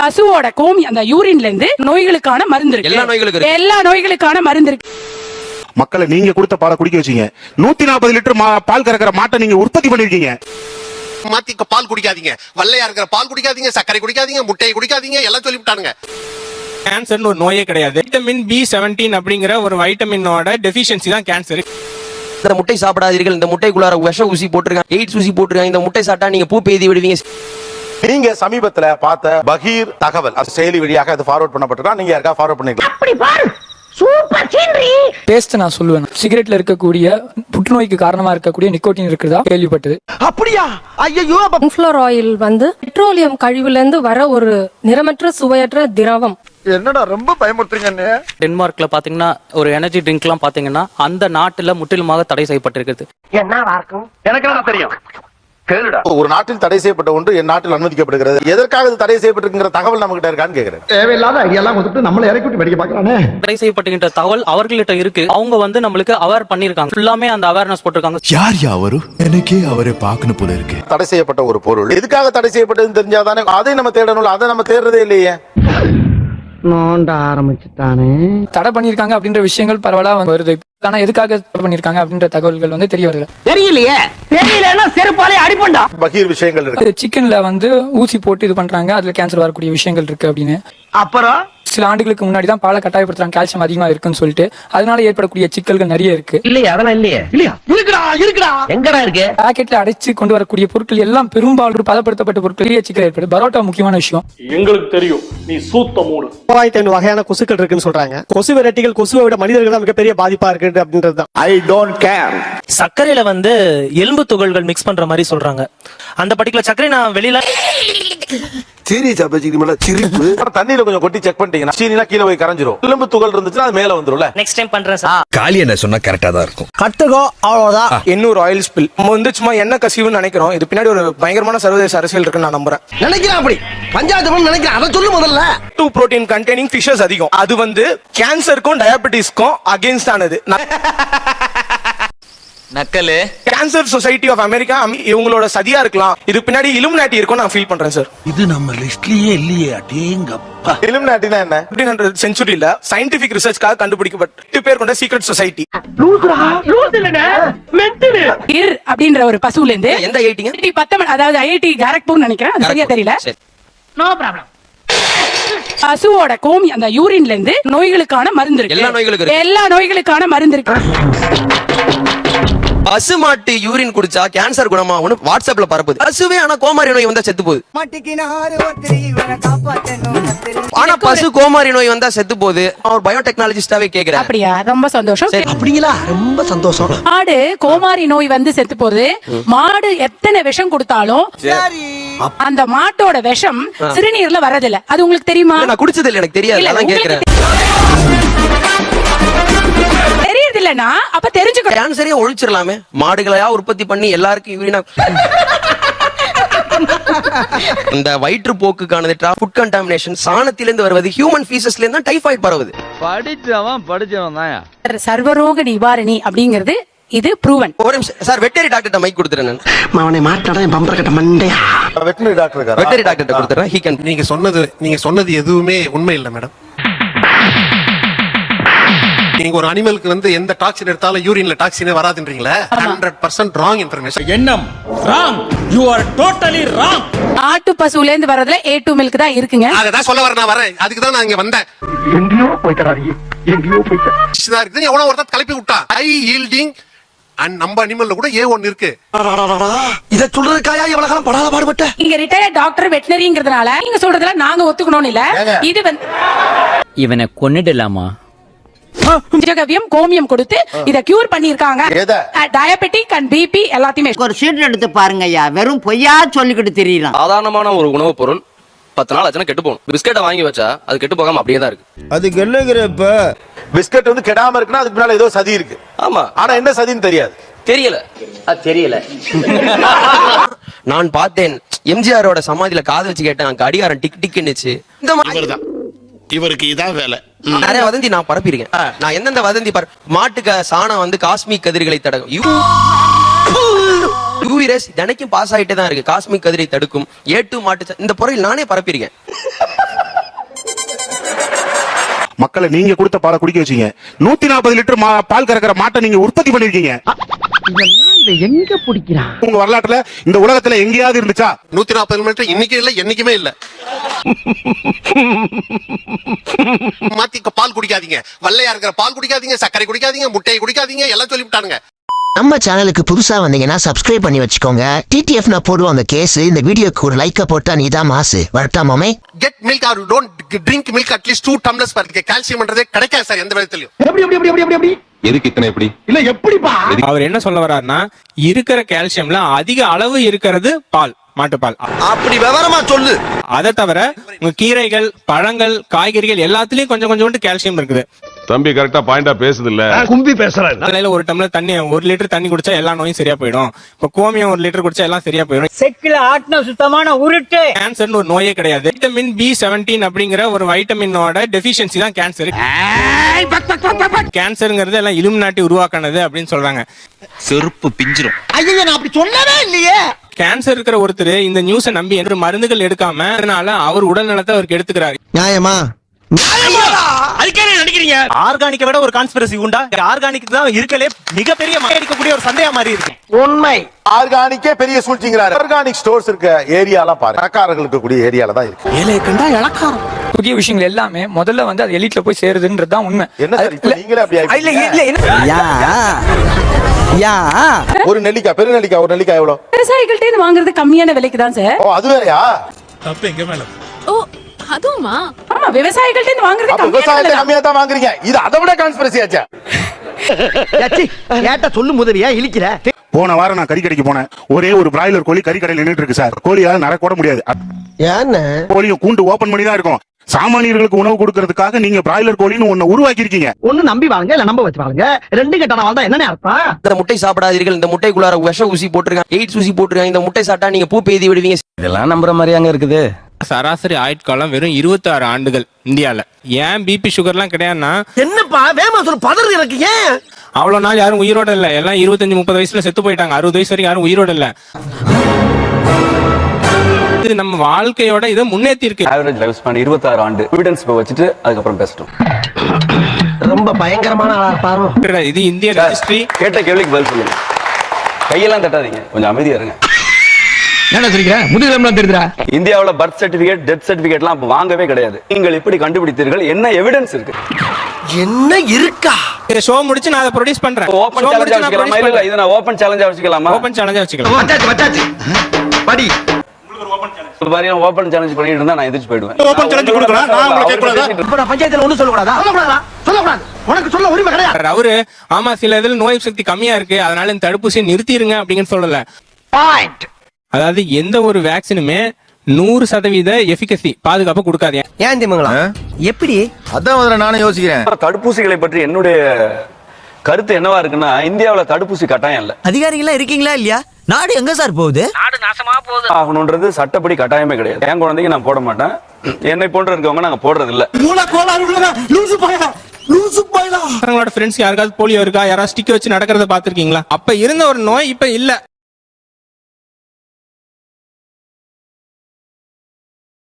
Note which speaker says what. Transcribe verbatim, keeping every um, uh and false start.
Speaker 1: பசுவோட Komi அந்த யூரின்ல இருந்து நோய்களுக்கான மருந்து இருக்கு.
Speaker 2: எல்லா நோய்களுக்கும்
Speaker 1: எல்லா நோய்களுக்கான மருந்து இருக்கு.
Speaker 3: மக்களை நீங்க கொடுத்த பாலை குடிக்க வச்சீங்க. நூத்தி நாற்பது லிட்டர் பால் கறக்கிற மாட்டை நீங்க உற்பத்தி பண்ணிருக்கீங்க.
Speaker 4: மாத்தி பால் குடிக்காதீங்க, வெள்ளையா இருக்கிற பால் குடிக்காதீங்க, சர்க்கரை குடிக்காதீங்க, முட்டையை குடிக்காதீங்க, எல்லாம் சொல்லிவிட்டானுங்க.
Speaker 5: கேன்சர் ஒரு நோயே கிடையாது. வைட்டமின் பி செவன்டீன் அப்படிங்கிற ஒரு வைட்டமினோட டெஃபிஷியன்சி தான் கேன்சர்.
Speaker 2: இந்த முட்டை சாப்பிடாதீர்கள், இந்த முட்டைக்குள்ளார விஷ ஊசி போட்டுருக்காங்க, எய்ட்ஸ் ஊசி போட்டுருக்காங்க, இந்த முட்டை சாப்பிட்டா நீங்க பூ பெய்தி விடுவீங்க.
Speaker 3: நீங்க சமீபத்துல பார்த்த பகீர் தகவல் செயலி வழியாக அது ஃபார்வர்ட் பண்ணப்பட்டிருக்கா, நீங்க யாருக்கா ஃபார்வர்ட் பண்ணிருக்கீங்க?
Speaker 6: அப்படி பாரு, சூப்பர் சீனரி.
Speaker 7: டேஸ்ட் நான் சொல்லுவேன். சிகரெட்ல இருக்கக்கூடிய புற்றுநோய்க்கு காரணமா இருக்கக்கூடிய நிக்கோட்டின் இருக்குதா கேள்விப்பட்டது.
Speaker 6: அப்படியா? ஐயோ.
Speaker 8: சன்ஃப்ளவர் ஆயில் வந்து பெட்ரோலியம் கழிவுல இருந்து வர ஒரு நிறமற்ற சுவையற்ற திரவம்.
Speaker 6: என்னடா ரொம்ப பயமுறுத்துறீங்க.
Speaker 9: டென்மார்க்ல பாத்தீங்கன்னா ஒரு எனர்ஜி ட்ரிங்க் எல்லாம் பாத்தீங்கன்னா அந்த நாட்டுல முற்றிலுமாக தடை செய்யப்பட்டிருக்கிறது.
Speaker 6: என்னவா இருக்கும்?
Speaker 4: எனக்கு என்ன தெரியும்?
Speaker 3: ஒரு நாட்டில் தடை செய்யப்பட்ட ஒன்று என் நாட்டில் அனுமதிக்கப்படுகிறது. எதற்காக இது தடை செய்யப்பட்டிருக்கிற தகவல் நம்ம கிட்ட இருக்கான்னு கேக்குறேன்.
Speaker 6: தேவையில்லாத ஐடியா எல்லாம் கொடுத்துட்டு நம்மள இறக்கி விட்டு வெடிக்க பாக்குறானே.
Speaker 9: தடை செய்யப்பட்டுகின்ற தகவல் அவர்கிட்ட இருக்கு. அவங்க வந்து நம்மளுக்கு அவேர் பண்ணிருக்காங்க. ஃபுல்லாமே அந்த அவேர்னஸ் போட்டிருக்காங்க.
Speaker 10: யார் யாவரு எனக்கே அவரை பார்க்கணும் போல இருக்கு.
Speaker 3: தடை செய்யப்பட்ட ஒரு பொருள் எதுக்காக தடை செய்யப்பட்டதுன்னு தெரிஞ்சாதானே அதை நம்ம தேடணும். அதை நம்ம தேடுறதே இல்லையே.
Speaker 6: நோண்ட ஆரம்பிச்சுட்டானே.
Speaker 7: தடை பண்ணிருக்காங்க அப்படின்ற விஷயங்கள் பரவலா வருது. ஆனா எதுக்காக தடை பண்ணிருக்காங்க அப்படின்ற தகவல்கள் வந்து தெரிய வருது.
Speaker 6: தெரியலையே. தெரியலன்னா செருப்பாலே அடிப்பண்டா.
Speaker 3: பகீர் விஷயங்கள் இருக்கு.
Speaker 7: சிக்கன்ல வந்து ஊசி போட்டு இது பண்றாங்க, அதுல கேன்சர் வரக்கூடிய விஷயங்கள் இருக்கு அப்படின்னு.
Speaker 6: அப்புறம்
Speaker 7: சில ஆண்டுகளுக்கு முன்னாடி தான் பாலை கட்டாயப்படுத்துறாங்க, கால்சியம் அதிகமா இருக்குன்னு சொல்லிட்டு. அதனால ஏற்படக்கூடிய சிக்கல்கள் நிறைய இருக்கு.
Speaker 6: இல்லையா? அதெல்லாம் இல்லையே. இல்லையா? இருக்குடா இருக்குடா. எங்கடா இருக்கு?
Speaker 7: பாக்கெட்ல அடைச்சு கொண்டு வரக்கூடிய பொருட்கள் எல்லாம் பெரும்பாலும் பதப்படுத்தப்பட்ட பொருட்கள் சிக்கல் ஏற்படுது. பரோட்டா முக்கியமான விஷயம்.
Speaker 11: எங்களுக்கு தெரியும் நீ சூத்த மூடு.
Speaker 5: மூவாயிரத்தி ஐநூறு வகையான கொசுக்கள் இருக்குன்னு சொல்றாங்க. கொசு வெரைட்டிகள் கொசுவை விட மனிதர்கள் தான் மிகப்பெரிய பாதிப்பா இருக்கு அப்படின்றது தான்.
Speaker 3: I don't care.
Speaker 9: சர்க்கரையில வந்து எலும்பு துகள்கள் மிக்ஸ் பண்ற மாதிரி சொல்றாங்க. அந்த பர்டிகுலர் சர்க்கரை நான் வெளியில
Speaker 3: சீரியஸா பேசிக்கிட்டு சிரிப்பு. தண்ணியில கொஞ்சம் கொட்டி செக் பண்ணிட்டீங்கன்னா சீனினா கீழே போய் கரைஞ்சிரும். எலும்பு துகள் இருந்துச்சுன்னா அது மேல வந்துரும்ல.
Speaker 9: நெக்ஸ்ட் டைம் பண்றேன் சார்.
Speaker 10: காலி என்ன சொன்னா கரெக்டா தான் இருக்கும்.
Speaker 5: கட்டுகோ அவ்வளவுதான். எண்ணூறு ஆயில் ஸ்பில் நம்ம வந்து சும்மா என்ன கசிவுன்னு நினைக்கிறோம். இது பின்னாடி ஒரு பயங்கரமான சர்வதேச அரசியல் இருக்குன்னு நான் நம்புறேன்.
Speaker 6: நினைக்கிறேன் அப்படி பஞ்சாயத்து நினைக்கிறேன். அதை சொல்லு முதல்ல.
Speaker 5: டூ புரோட்டீன் கண்டெய்னிங் ஃபிஷஸ் அதிகம். அது வந்து கேன்சருக்கும் டயபெட்டிஸ்க்கும் அகைன்ஸ்ட் ஆனது.
Speaker 2: நக்கலு
Speaker 5: கேன்சர் சொசைட்டி ஆஃப் அமெரிக்கா இவங்களோட சதியா இருக்கலாம். இது பின்னாடி இலுமினாட்டி இருக்கும் நான் ஃபீல் பண்றேன் சார்.
Speaker 10: இது நம்ம லிஸ்ட்லயே இல்லையே. அடேங்கப்பா.
Speaker 3: இலுமினாட்டினா என்ன?
Speaker 5: பதினெட்டாம் செஞ்சுரியில சயின்டிபிக் ரிசர்ச்காக கண்டுபிடிக்கப்பட்ட பேர் கொண்ட சீக்ரெட் சொசைட்டி.
Speaker 6: லூசுடா. லூசு இல்லடா. மென்டல்.
Speaker 1: இர் அப்படின்ற ஒரு பசுல இருந்து
Speaker 2: எந்த ஐடிங்க
Speaker 1: பத்தொன்பது அதாவது ஐஐடி காரக்பூர் நினைக்கிறேன், அது சரியா தெரியல.
Speaker 6: No problem.
Speaker 1: பசுவோட கோமி அந்த யூரின்ல இருந்து நோய்களுக்கான மருந்து இருக்கு.
Speaker 2: எல்லா நோய்களுக்கும்
Speaker 1: எல்லா நோய்களுக்கான மருந்து இருக்கு.
Speaker 2: பசு மாட்டு யூரின் குடிச்சா கேன்சர் குணமாகும்னு வாட்ஸ்அப்ல பரப்புது. பசுவே ஆனா கோமாரி நோய் வந்தா செத்து போகுது. ஆனா பசு கோமாரி நோய் வந்தா செத்து போகுது. அவர் பயோடெக்னாலஜிஸ்டாவே கேக்குறேன்.
Speaker 1: அப்படியா? ரொம்ப சந்தோஷம்.
Speaker 6: அப்படிங்களா? ரொம்ப சந்தோஷம்.
Speaker 1: மாடு கோமாரி நோய் வந்து செத்து போகுது. மாடு எத்தனை விஷம் கொடுத்தாலும் அந்த மாட்டோட விஷம் சிறுநீர்ல வரதில்ல. அது உங்களுக்கு தெரியுமா?
Speaker 2: நான் குடிச்சது இல்ல, எனக்கு தெரியாது. அதான் கேக்குறேன்.
Speaker 1: தெரியுது இல்லனா அப்ப தெரிஞ்சுக்கோ.
Speaker 2: கேன்சரே ஒழிச்சிரலாமே. மாடுகளையா உற்பத்தி பண்ணி எல்லாருக்கும் யூரினா. இந்த வயிற்று போக்குக்கானது ஃபுட் கண்டாமினேஷன் சாணத்திலிருந்து வருவது, ஹியூமன் ஃபீசஸ்ல இருந்து டைபாய்டு பரவுது.
Speaker 9: படிச்சவன் படிச்சவன் தான்.
Speaker 1: சர்வரோக நிவாரணி அப்படிங்கிறது இது ப்ரூவன்.
Speaker 2: ஒரு நிமிஷம் சார், வெட்டரி டாக்டர்ட்ட மைக் கொடுத்துறேன்.
Speaker 6: அவனை மாட்டாடா என் பம்பர கட்ட மண்டையா.
Speaker 3: வெட்டரி டாக்டர் இருக்காரா?
Speaker 2: வெட்டரி டாக்டர்ட்ட கொடுத்துறேன். He can.
Speaker 4: நீங்க சொன்னது நீங்க சொன்னது எதுவுமே உண்மை இல்ல மேடம். நீங்க ஒரு அனிமலுக்கு வந்து எந்த டாக்ஸின் எடுத்தாலும் யூரின்ல டாக்ஸினே வராதுன்றீங்களா? Hundred percent wrong information.
Speaker 5: எண்ணம் wrong. You are totally wrong.
Speaker 1: ஆட்டு பசுல இருந்து வரதுல ஏ டூ மில்க் தான் இருக்குங்க.
Speaker 4: அததான் சொல்ல வர நான் வரேன். அதுக்கு தான் நான் இங்க வந்தேன்.
Speaker 6: எங்கேயோ போய்த்தறாதீங்க. எங்கேயோ போய்த்தா.
Speaker 4: எவனோ ஒருத்தர் கிளப்பி விட்டா. ஹை ஈல்டிங் அண்ட் நம்ம அனிமல்ல கூட ஏ ஒன் இருக்கு.
Speaker 6: இத சொல்றதுக்காயா இவ்வளவு காலம் படாத பாடுபட்ட?
Speaker 1: நீங்க ரிட்டையர்ட் டாக்டர் வெட்டனரிங்கிறதுனால நீங்க சொல்றதுல நாங்க ஒத்துக்கணும் இல்ல. இது வந்து
Speaker 9: இவனை கொன்னுடலாமா?
Speaker 1: ஜகவியம் கோமியம் கொடுத்து இத கியூர் பண்ணிருக்காங்க. டயபெட்டிக் அண்ட் பிபி எல்லாத்தையுமே.
Speaker 6: ஒரு சீட் எடுத்து பாருங்க ஐயா. வெறும் பொய்யா சொல்லிக்கிட்டு தெரியலாம்.
Speaker 2: சாதாரணமான ஒரு உணவுப் பொருள் பத்து நாள் ஆச்சுன்னா கெட்டு போகும். பிஸ்கெட்டை வாங்கி வச்சா அது கெட்டு போகாம அப்படியே தான் இருக்கு.
Speaker 3: அதுக்கு என்னங்கிறப்ப பிஸ்கட் வந்து கெடாம இருக்குன்னா அதுக்கு பின்னால ஏதோ சதி இருக்கு.
Speaker 2: ஆமா,
Speaker 3: ஆனா என்ன சதின்னு தெரியாது.
Speaker 2: தெரியல. அது தெரியல. நான் பார்த்தேன் எம்ஜிஆரோட சமாதியில காது வச்சு கேட்டேன், கடிகாரம் டிக் டிக்னுச்சு. இந்த மாதிரி
Speaker 4: இவருக்கு இதான் வேலை.
Speaker 2: நிறைய வதந்தி நான் பரப்பிருக்கேன். நான் எந்தெந்த வதந்தி பர மாட்டுக்கு சாணம் வந்து காஸ்மிக் கதிர்களை தடுக்கும். யூவிரஸ் தினைக்கும் பாஸ் ஆயிட்டே தான் இருக்கு. காஸ்மிக் கதிரை தடுக்கும். ஏ டூ மாட்டு இந்த பொருள் நானே பரப்பிருக்கேன்.
Speaker 3: மக்களை நீங்க கொடுத்த பாலை குடிக்க வச்சீங்க. நூத்தி நாற்பது லிட்டர் பால் கறக்கிற மாட்டை நீங்க உற்பத்தி பண்ணிருக்கீங்க.
Speaker 6: எங்க பிடிக்கிறான்
Speaker 3: உங்க வரலாற்றுல இந்த உலகத்துல எங்கேயாவது இருந்துச்சா?
Speaker 4: நூத்தி நாற்பது கிலோமீட்டர் இன்னைக்கு இல்ல, என்னைக்குமே இல்ல. மாத்தி பால் குடிக்காதீங்க, வல்லையா இருக்கிற பால் குடிக்காதீங்க, சர்க்கரை குடிக்காதீங்க, முட்டையை குடிக்காதீங்க, எல்லாம் சொல்லிவிட்டானுங்க.
Speaker 6: நம்ம சேனலுக்கு புதுசா வந்தீங்கன்னா சப்ஸ்கிரைப் பண்ணி வச்சுக்கோங்க. டிடிஎஃப் நான் போடுவோம் அந்த கேஸ். இந்த வீடியோக்கு ஒரு லைக்க போட்டா நீதான் மாசு. வரட்டா மாமே.
Speaker 4: Get milk or don't drink milk at least two tumblers per day. கால்சியம்ன்றதே கிடைக்காது சார் எந்த விதத்திலயும்.
Speaker 3: எப்படி எப்படி எப்படி எப்படி எப்படி
Speaker 10: எதுக்கு இத்தனை எப்படி
Speaker 3: இல்ல எப்படிப்பா?
Speaker 5: அவர் என்ன சொல்ல வர்றாருன்னா, இருக்கிற கால்சியம்ல அதிக அளவு இருக்கிறது பால், மாட்டுப்பால்.
Speaker 2: அப்படி விவரமா சொல்லு.
Speaker 5: அதை தவிர உங்க கீரைகள், பழங்கள், காய்கறிகள் எல்லாத்துலயும் கொஞ்சம் கொஞ்சம் கால்சியம் இருக்குது.
Speaker 10: தம்பி கரெக்டா பாயிண்டா பேசுது இல்ல,
Speaker 3: கும்பி பேசுறாரு.
Speaker 5: காலையில ஒரு டம்ளர் தண்ணி, ஒரு லிட்டர் தண்ணி குடிச்சா எல்லா நோயும் சரியா போயிடும். இப்ப கோமியம் ஒரு லிட்டர் குடிச்சா எல்லாம் சரியா போயிடும்.
Speaker 6: செக்கில ஆட்டின சுத்தமான உருட்டு.
Speaker 5: கேன்சர்னு ஒரு நோயே கிடையாது. வைட்டமின் பி செவன்டீன் அப்படிங்கிற ஒரு வைட்டமினோட டெபிஷியன்சி தான் கேன்சர். கேன்சருங்கிறது எல்லாம் இலுமினாட்டி உருவாக்கினது அப்படின்னு சொல்றாங்க.
Speaker 10: செருப்பு பிஞ்சிரும்.
Speaker 6: ஐயோ நான் அப்படி சொன்னவே இல்லையே.
Speaker 5: கேன்சர் இருக்கிற ஒருத்தர் இந்த நியூஸை நம்பி என்று மருந்துகள் எடுக்காம அதனால அவர் உடல் நலத்தை அவர் கெடுத்துக்கிறாரு.
Speaker 6: நியாயமா?
Speaker 9: ஆர்கானிக்கை விட ஒரு கான்ஸ்பிரசி உண்டா? ஆர்கானிக் தான் இருக்கலே மிகப்பெரிய எடுக்கக்கூடிய ஒரு சந்தேகம் மாதிரி இருக்கு.
Speaker 6: உண்மை.
Speaker 3: ஆர்கானிக்கே பெரிய சூழ்ச்சிங்கிறாரு. ஆர்கானிக் ஸ்டோர்ஸ் இருக்க ஏரியாலாம் பாரு, கடைக்காரர்களுக்கு கூடிய ஏரியால தான் இருக்கு.
Speaker 7: ஏழை கண்டா இலக்காரம். புதிய விஷயங்கள் எல்லாமே முதல்ல வந்து அது எலிட்ல போய் சேருதுன்றது தான் உண்மை.
Speaker 3: என்ன சார் இப்ப நீங்களே அப்படி
Speaker 7: இல்ல இல்ல இல்ல.
Speaker 6: யா யா
Speaker 3: ஒரு நெல்லிக்காய், பெரு நெல்லிக்காய் ஒரு நெல்லிக்காய் எவ்வளவு?
Speaker 1: விவசாயிகள்ட்ட இருந்து வாங்குறது கம்மியான விலைக்கு தான் சார்.
Speaker 3: ஓ அது வேறயா?
Speaker 10: தப்பு எங்க மேல?
Speaker 1: ஓ அதுவுமா? ஆமா, விவசாயிகள்ட்ட இருந்து வாங்குறது
Speaker 3: அப்ப
Speaker 1: கம்மியான
Speaker 3: விவசாயத்தை
Speaker 1: விலை.
Speaker 3: கம்மியா தான் வாங்குறீங்க. இது அதை விட கான்ஸ்பிரசி ஆச்சா?
Speaker 6: கேட்ட சொல்லு முதவியா இழிக்கிற.
Speaker 3: போன வாரம் நான் கறி கடைக்கு போனேன். ஒரே ஒரு பிராய்லர் கோழி கறி கடையில் நின்னுட்டு இருக்கு சார். கோழியால நர கூட முடியாது.
Speaker 6: ஏன்னு
Speaker 3: கோழியும் கூண்டு ஓபன் பண்ணி தான் இருக்கும். சாமானியர்களுக்கு உணவு கொடுக்கறதுக்காக நீங்க பிராய்லர் கோழின்னு ஒண்ணு உருவாக்கி இருக்கீங்க.
Speaker 6: ஒண்ணு நம்பி வாங்க இல்ல நம்ப வச்சு வாங்க. ரெண்டு கட்டணம் வாழ்ந்தா என்ன அர்த்தம்?
Speaker 2: இந்த முட்டை சாப்பிடாதீர்கள், இந்த முட்டைக்குள்ளார விஷ ஊசி போட்டுருக்காங்க, எய்ட்ஸ் ஊசி போட்டுருக்காங்க, இந்த முட்டை சாப்பிட்டா நீங்க பூ பெய்தி விடுவீங்க.
Speaker 6: இதெல்லாம் நம்புற மாதிரியாங்க இருக்குது.
Speaker 5: சராசரி ஆயுட்காலம் வெறும் இருபத்தி ஆறு ஆண்டுகள் இந்தியால. ஏன் பிபி சுகர்லாம் கிடையாதுன்னா,
Speaker 6: என்னப்பா வேமா சொல்ல பதறு இருக்கு. ஏன்
Speaker 5: அவ்வளவு நாள் யாரும் உயிரோட இல்ல, எல்லாம் இருபத்தஞ்சு முப்பது வயசுல செத்து போயிட்டாங்க. அறுபது வயசு வரைக்கும் யாரும் உயிரோட இல்ல. இது நம்ம வாழ்க்கையோட இதை முன்னேற்றி இருக்கு.
Speaker 12: ஆவரேஜ் லைஃப் ஸ்பான் இருபத்தி ஆறு ஆண்டு. எவிடன்ஸ் வச்சுட்டு அதுக்கப்புறம் பேசட்டும்.
Speaker 6: ரொம்ப பயங்கரமான ஆளா இருப்பாரு.
Speaker 5: இது இந்திய ரெஜிஸ்ட்ரி.
Speaker 12: கேட்ட கேள்விக்கு பதில் சொல்லுங்க. கையெல்லாம் தட்டாதீங்க, கொஞ்சம் அமைதியா இருங்க.
Speaker 6: என்ன சொல்றீங்க? முதுகெலும்புலாம் தெரியுதா?
Speaker 12: இந்தியாவுல பர்த் சர்டிபிகேட், டெத் சர்டிபிகேட்லாம் அப்ப வாங்கவே கிடையாது. நீங்கள் எப்படி கண்டுபிடித்தீர்கள்? என்ன எவிடன்ஸ் இருக்கு?
Speaker 6: என்ன இருக்கா?
Speaker 5: இந்த ஷோ முடிச்சு நான் அதை ப்ரொடியூஸ் பண்றேன்.
Speaker 12: ஓபன் சேலஞ்சா வச்சுக்கலாமா? இல்ல இத நான் ஓபன் சேலஞ்சா வச்சுக்கலாமா?
Speaker 5: ஓபன் சேலஞ்சா வச்சுக்கலாம்.
Speaker 6: வச்சாச்சு வச்சாச்சு. படி.
Speaker 12: ஓபன் சேலஞ்ச் பண்ணிட்டு இருந்தா நான் எதிர்த்து போயிடுவேன்.
Speaker 3: ஓபன் சேலஞ்ச் கொடுக்கறேன். நான் உங்களுக்கு கேட்கக்கூடாதா?
Speaker 6: இப்ப நான் பஞ்சாயத்துல ஒண்ணு சொல்ல கூடாதா? சொல்ல கூடாதா? சொல்ல கூடாது. உனக்கு சொல்ல உரிமை கிடையாது.
Speaker 5: அவரு ஆமா சில இதுல நோய் சக்தி கம்மியா இருக்கு, அதனால இந்த தடுப்பூசியை நிறுத்திடுங்க அப்படின்னு சொல்லல.
Speaker 6: பாயிண்ட்.
Speaker 5: அதாவது எந்த ஒரு வேக்சினுமே நூறு சதவீத எஃபிகசி பாதுகாப்பு கொடுக்காது.
Speaker 6: ஏன் திமுங்களா? எப்படி?
Speaker 10: அதான் முதல்ல நானும் யோசிக்கிறேன்.
Speaker 12: தடுப்பூசிகளை பற்றி என்னுடைய கருத்து என்னவா இருக்குன்னா, இந்தியாவுல தடுப்பூசி கட்டாயம் இல்ல.
Speaker 6: அதிகாரிகளா இருக்கீங்களா இல்லையா? நாடு எங்க சார் போகுது? நாடு நாசமா போகுது.
Speaker 12: ஆகணும்ன்றது சட்டப்படி கட்டாயமே கிடையாது. என் குழந்தைக்கு நான் போட மாட்டேன். என்னை போன்ற இருக்கவங்க நாங்க போடுறது இல்ல.
Speaker 5: ஃப்ரெண்ட்ஸ் யாருக்காவது போலியோ இருக்கா, யாராவது ஸ்டிக் வச்சு நடக்கிறத பாத்திருக்கீங்களா? அப்ப இருந்த ஒரு நோய் இப்ப இல்ல.